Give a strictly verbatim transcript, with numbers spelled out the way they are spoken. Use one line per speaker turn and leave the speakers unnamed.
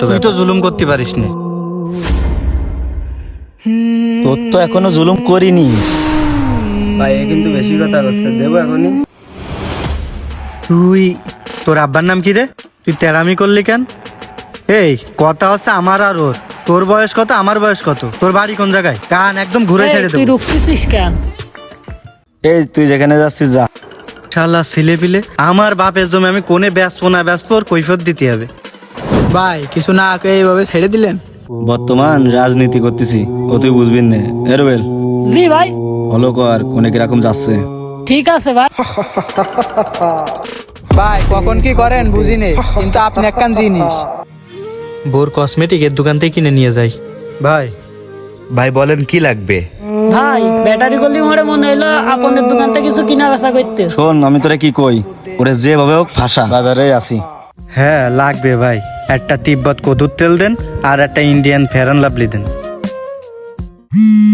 তুই তো জুলুম করতে পারিস না।
তোর তো এখনো জুলুম করিনি।
ভাই এ কিন্তু বেশি কথা করছে, দেবো এখনই।
তুই তোর আব্বার নাম কি রে? তুই তেরামি করলি কেন? এই কথা হচ্ছে আমার আর ওর। তোর বয়স কত, আমার বয়স কত, তোর বাড়ি কোন জায়গায়? কান একদম ঘুরে ছেড়ে
তুই
দেবো।
রুখতেছিস কেন?
এই তুই যেখানে যাচ্ছিস যা।
শালা ছেলে পিলে, আমার বাপের জমি আমি কোনে বেচবো না বেচবো ওর কৈফত দিতে হবে।
ভাই কিছু না আগে এইভাবে ছেড়ে দিলেন।
বর্তমান রাজনীতি করতেছি, ও তুই বুঝবি না। এরবেল
জি ভাই,
হলো কর কোনে কিরকম যাচ্ছে।
ঠিক আছে ভাই।
ভাই কখন কি করেন বুঝিনি, কিন্তু আপনি একখান জিনিস।
বোর কসমেটিক এর দোকান থেকে কিনে নিয়ে যাই। ভাই
ভাই বলেন কি লাগবে?
ভাই ব্যাটারি গলি মোড়ে মনে হইলো আপনাদের দোকান থেকে কিছু কিনা বেচা করতে।
শোন আমি তোরে কি কই, ওরে যেভাবে হোক ফাঁসা, বাজারে আসি।
হ্যাঁ লাগবে ভাই, একটা তিব্বত কদুর তেল দেন আর একটা Indian Fair and Lovely then.